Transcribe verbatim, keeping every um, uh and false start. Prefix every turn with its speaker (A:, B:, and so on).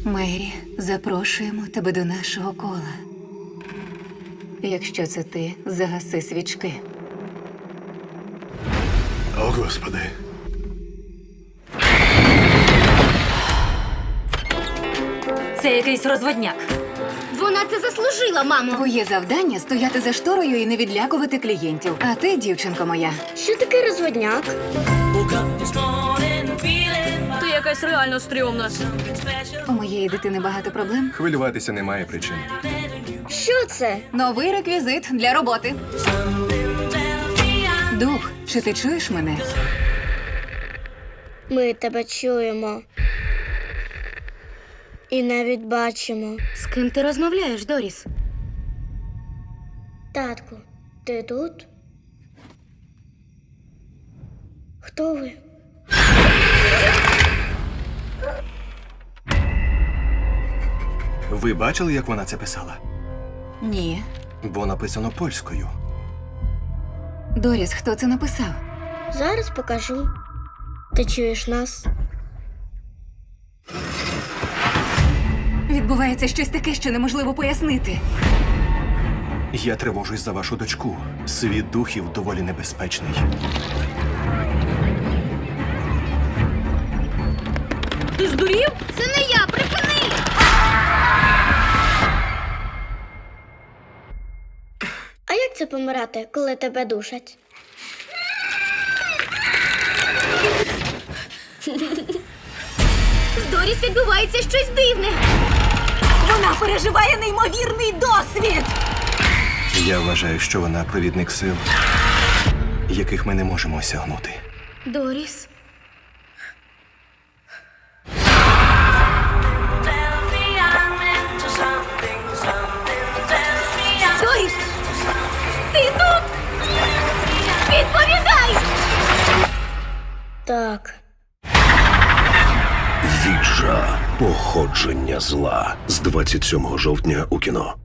A: Мері, запрошуємо тебе до нашого кола. Якщо це ти, загаси свічки.
B: О, Господи.
C: Це якийсь розводняк.
D: Вона це заслужила, мамо.
A: Твоє завдання – стояти за шторою і не відлякувати клієнтів. А ти, дівчинко моя,
D: Що таке розводняк?
C: Ти якась реально стрьомна.
A: у моєї дитини багато проблем.
B: Хвилюватися немає причин.
D: Що це?
A: Новий реквізит для роботи. Дух, чи ти чуєш мене?
D: Ми тебе чуємо. І навіть бачимо.
C: З ким ти розмовляєш, Доріс?
D: Татку, ти тут? Хто ви?
B: Ви бачили, як вона це писала?
A: Ні.
B: Бо написано польською.
A: Доріс, хто це написав?
D: Зараз покажу. Ти чуєш нас?
A: Відбувається щось таке, що неможливо пояснити.
B: Я тривожусь за вашу дочку. Світ духів доволі небезпечний.
C: Ти здурів?
D: Це не я, припини! А як це помирати, коли тебе душать?
C: З Доріс відбувається щось дивне. Вона переживає неймовірний досвід.
B: Я вважаю, що вона провідник сил, яких ми не можемо осягнути.
C: Доріс. Доріс! Ти тут? Відповідай!
D: Так.
E: Віджа. Походження зла з двадцять сьомого жовтня у кіно.